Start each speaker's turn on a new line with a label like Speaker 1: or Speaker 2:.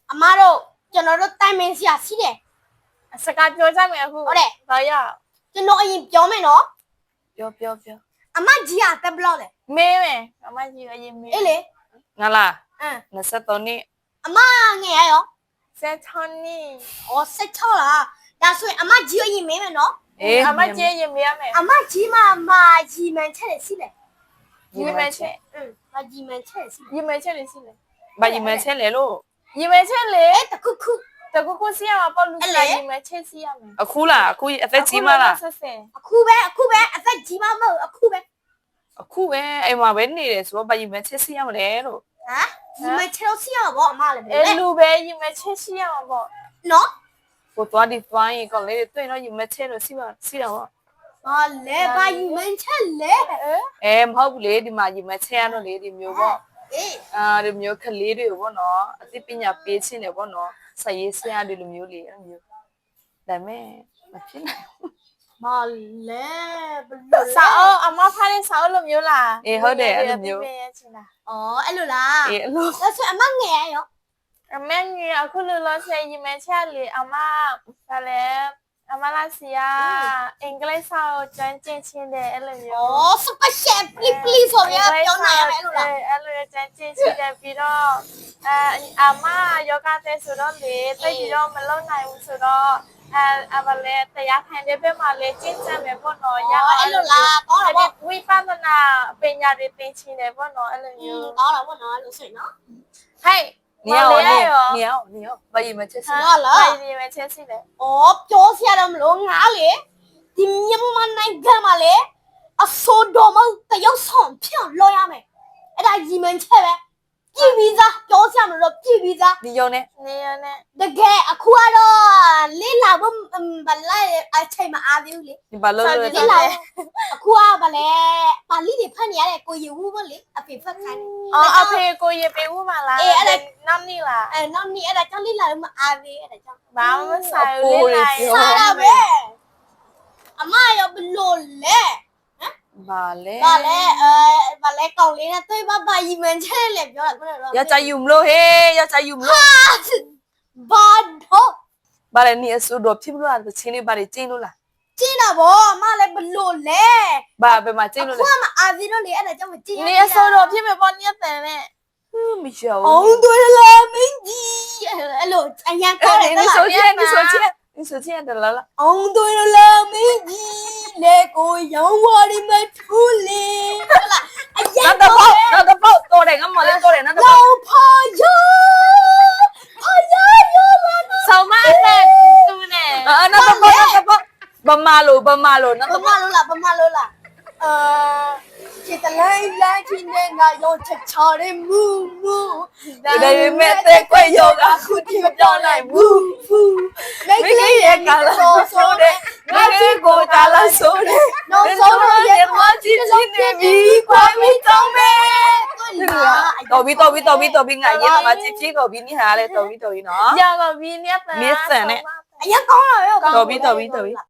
Speaker 1: အမတို့ကျွန်တော်တို့တိုင်ပင်စရာရှိတယ်
Speaker 2: စကားပြောကြမယ်အခု
Speaker 1: ဟုတ်တယ်
Speaker 2: ဘာရ
Speaker 1: ကျွန်တော်အရင်ပြောမယ်နော်
Speaker 2: ပြော
Speaker 1: အမကြီးကတက်ဘလော့လေ
Speaker 2: မေးမယ်အမကြီးအရင်မေး
Speaker 1: အေးလေ
Speaker 3: ငါလား
Speaker 2: 23နှစ်
Speaker 1: အမငယ်ရရော
Speaker 2: 16နှစ်
Speaker 1: ဩ16လားဒါဆိုရင်အမကြီးအရင်မေးမယ်နော်
Speaker 3: အေး
Speaker 2: အမကြီးရင်မေးရမယ်
Speaker 1: အမကြီးမကြီးမှန်ချက်တယ်ရှိလေ
Speaker 2: ရင်မဲချက်
Speaker 1: မကြီးမှန်ချက်ရှိလေ
Speaker 2: ရင်မဲချက်လေးရှိလေ
Speaker 3: ဘာကြီးမချက်လေလို့
Speaker 2: ရင်မဲချက်လေ
Speaker 1: တခုခု
Speaker 2: တကူကူစီရမှာပေါ့လူကြီးရင်မဲချက်စီရမယ်
Speaker 3: အခုလားအခုအသက်ကြီးမလား
Speaker 1: အခုပဲအသက်ကြီးမမဟုတ်အခုပဲ
Speaker 3: အခုပဲအိမ်မှာပဲနေတယ်ဆိုတော့ဘာကြီးမချက်စီရမလဲလို့
Speaker 1: ဟမ်ကြီးမှန်ချက်လို့ရှိရပါဘောအမလည်း
Speaker 2: အဲလူပဲရင်မဲချက်စီရမှာပေါ့
Speaker 1: နော်
Speaker 3: ကိုသွားဒီသွားရင်ကောင်းလေးတွေ့တော့ကြီးမချက်လို့စီတော့
Speaker 1: ဘာလဲဘာကြီးမှန်ချက်လဲ
Speaker 3: မဟုတ်ဘူးလေဒီမှာကြီးမချက်ရတော့လေဒီမျိုးပေါ့
Speaker 1: အေး
Speaker 3: ဒီမျိုးကလေးတွေပေါ့နော်အသိပညာပေးခြင်းတယ်ပေါ့နော်ဆက်ရေးဆရာတွေလိုမျိုးလေအဲ့မျိုးဒါမဲ့မဖြစ်နိုင်ဘူး
Speaker 1: ဘာလဲဘလို့
Speaker 2: စာအုပ်အမဖားတဲ့စာအုပ်လိုမျိုးလား
Speaker 3: အေးဟုတ်တယ်အဲ့လိုမျိုး
Speaker 1: ဩအဲ့လိုလား
Speaker 3: အေးအဲ့လို
Speaker 1: ဒါဆိုအမငယ်ရရော
Speaker 2: အမေကြီးအခုလောလောဆယ်ရင်မဲချက်လေအမဖားလေအမလာစီယာအင်္ဂလိပ်စာကိုကျွမ်းကျင်ချင်းတယ်အဲ့လို
Speaker 1: ဩ
Speaker 2: မျိုး
Speaker 1: special please ဆိုရပြောနိုင်ရမယ်လို့လား
Speaker 2: အဲ့လိုကျွမ်းကျင်ချင်းတယ်ပြီးတော့အမယောဂတဲ့ဆိုတော့လေတိတ်ပြီးတော့မလုံနိုင်ဘူးဆိုတော့အမလည်းတရားခံတဲ့ဘက်မှာလည်းကျင့်ကြံမယ်ပေါ့နော်ရအောင်
Speaker 1: အဲ့လိုလားကောင်းတာပေါ့
Speaker 2: ဝိပဿနာပညာတွေသင်ချင်းတယ်ပေါ့နော်အဲ့လိုမျိုး
Speaker 1: ကောင်းတာပေါ့နော်လို့ဆိုရင်နော်
Speaker 2: ဟဲ့
Speaker 3: နေအောင်ဘာကြီးမချက်စီ
Speaker 1: ဟုတ်လား
Speaker 2: ဘာဒီမဲ့ချက်စီလဲ
Speaker 1: ဩပြောစရာတော့မလို့ငါလေဒီမြန်မာနိုင်ငံမှာလေအစိုးတော်မတရုတ်ဆောင်ဖြန့်လောရမယ်အဲ့ဒါရီမန်ချက်ပဲပြည်ပြီးသားပြောစရာမလို့ပြည်ပြီးသား
Speaker 3: ဒီယုံနဲ့
Speaker 2: နေရနဲ့
Speaker 1: တကယ်အခုကတော့လေးလာဖို့ဗလာအချိန်မအားသေးဘူးလေ
Speaker 3: ဒီဘာလို့လဲ
Speaker 1: လေးလာအခုကဗလဲပါဠိတွေဖတ်နေရတဲ့ကိုယူဘူးမလေအဖေဖတ်ခိုင်းတယ်
Speaker 2: အဖေကိုရေပေးဦးမလားနောက်နေ့လား
Speaker 1: နောက်နေ့အဲ့ဒါကြောင့်လေးလာလို့မအားသေးအဲ့ဒါကြောင့်
Speaker 2: ဘာမှမဆိုင်ဘူးလေနိုင်
Speaker 1: စားတာပဲအမရောဘလို့လဲ
Speaker 3: ဘာလဲ
Speaker 1: ဗာလဲကောင်လေးနဲ့တွေ့ပါရီမန်ချက်လေပြောတာခုနကတော့
Speaker 3: ရကြယူမလို့ဟေးရကြယူမလို့
Speaker 1: ဘာတော့
Speaker 3: ဘာလဲနေအဆူတော့ဖြစ်လို့လားချင်းလေးဘာတွေကျင်းလို့လား
Speaker 1: ကျင်းတာဗောအမလည်းဘလို့လဲ
Speaker 3: ဘာပဲမှာကျင်းလို့
Speaker 1: ခု
Speaker 3: လဲ
Speaker 1: ကမအားသေးတော့လေအဲ့ဒါကြောင့်မကျင်း
Speaker 2: နေအစောတော့ဖြစ်မယ်ပေါ့ညက်တယ်နဲ့
Speaker 3: မရှော
Speaker 1: အောင်တွေ့လာမင်းကြီးအဲ့လိုအရန်ကောင်းတယ်
Speaker 3: 你手机的来了。
Speaker 1: အောင်တွေ့လာမင်းကြီးလေကိုရောင်းဝါဒီမထူးလေဟုတ်လားအရန်
Speaker 3: 那
Speaker 1: ကောင်းတယ်
Speaker 3: 那个包多点，俺没得多点，那个包。
Speaker 1: လောဖာယောလာနာ
Speaker 2: ဆောင်းမနဲ့သူနဲ့
Speaker 3: 那个包，不马路，那
Speaker 1: ဘ
Speaker 3: 个
Speaker 1: မလို့လားခြေတလိုက်လိုက်ချင်းနဲ့ငါရောချက်ချတဲ့မူ
Speaker 3: 你的妹在贵有个苦地表来呜呜，
Speaker 1: မိတ်ကလေးရဲ့ကာလာဆိုတဲ့
Speaker 3: 我去过大了手的，
Speaker 1: နောက်
Speaker 3: 人
Speaker 1: ဆုံး
Speaker 3: 说
Speaker 1: တော့
Speaker 3: 的我今天的米快米长呗。တော်ပြီငါရင်မှာချစ်ချစ်ကိုပြီးနေဟာလေတော်ပြီနော်
Speaker 2: ရပါပြီညက်တယ်
Speaker 1: အရင်ကောင်းတာရော
Speaker 3: တော်ပြီ